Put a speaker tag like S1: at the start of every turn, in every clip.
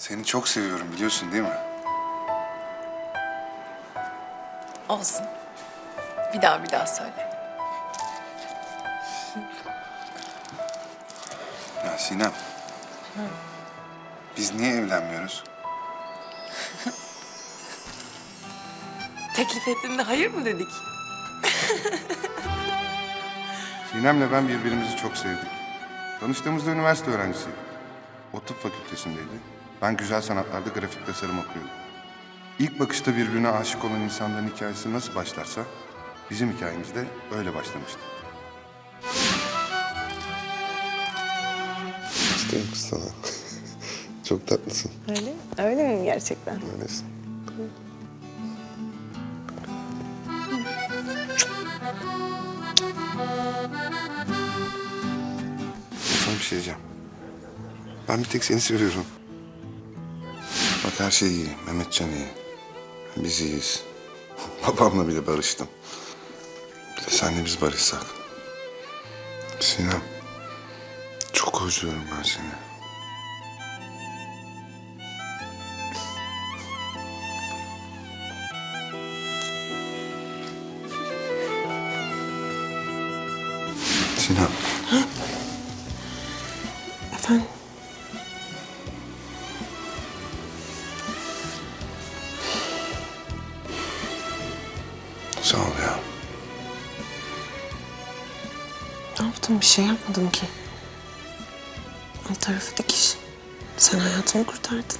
S1: Seni çok seviyorum biliyorsun değil mi?
S2: Olsun. Bir daha söyle.
S1: Ya Sinem. Biz niye evlenmiyoruz?
S2: Teklif ettiğinde hayır mı dedik?
S1: Sinem'le ben birbirimizi çok sevdik. Tanıştığımızda üniversite öğrencisiydik. O tıp fakültesindeydi. Ben güzel sanatlarda grafik tasarım okuyordum. İlk bakışta birbirine aşık olan insanların hikayesi nasıl başlarsa bizim hikayemiz de öyle başlamıştı. İsteyim kız sana. Çok tatlısın.
S2: Öyle? Öyle mi gerçekten?
S1: Öylesin. Sana bir şey diyeceğim. Ben bir tek seni seviyorum. Bak her şey iyi. Mehmetcan iyi. Biz iyiyiz. Babamla bile barıştım. Bir de senle biz barışsak. Sinem. Çok özlüyorum ben seni. Sinem.
S2: Efendim?
S1: Sağ ol ya.
S2: Ne yaptım? Bir şey yapmadım ki. Alt tarafı dikiş. Sen hayatımı kurtardın.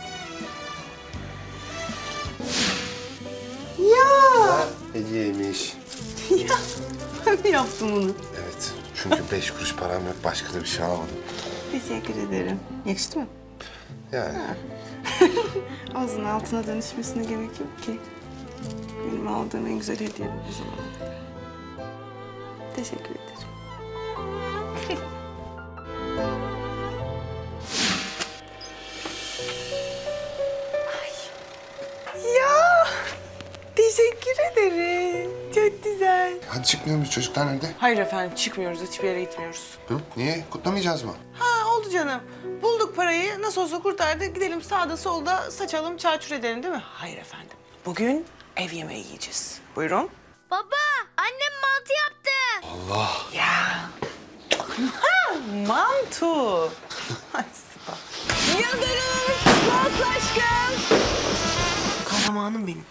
S1: Hediyeymiş.
S2: Ya ben mi yaptım bunu?
S1: Evet. Çünkü 5 kuruş param yok. Başka da bir şey almadım.
S2: Teşekkür ederim. Yakıştı mı?
S1: Yani.
S2: Ağzının altına dönüşmesine gerek yok ki. Benim aldığım en güzel hediye bu zaman. Teşekkür ederim. Ya teşekkür ederim. Çok güzel.
S1: Hadi çıkmıyor muyuz? Çocuklar nerede?
S3: Hayır efendim, çıkmıyoruz. Hiçbir yere gitmiyoruz.
S1: Hı? Niye? Kutlamayacağız mı?
S3: Ha oldu canım. Bulduk parayı. Nasıl olsa kurtardık. Gidelim sağda solda saçalım, çarçur edelim değil mi? Hayır efendim. Bugün ev yemeği yiyeceğiz. Buyurun.
S4: Baba, annem mantı yaptı.
S3: Ya. Mantu. Ay süper. Yıldırım, nasıl aşkım? Kahramanım benim.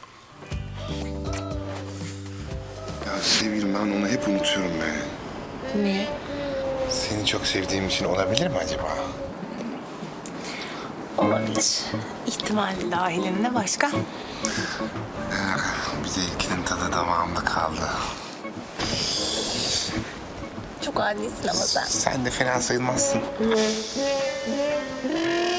S1: Ya sevgilim ben onu hep unutuyorum be.
S2: Niye?
S1: Seni çok sevdiğim için olabilir mi acaba?
S2: Olabilir. İhtimal dahilinde başka?
S1: Bir de ilkinin tadı damağımda kaldı.
S2: Çok adisin ama sen.
S1: Sen de fena sayılmazsın.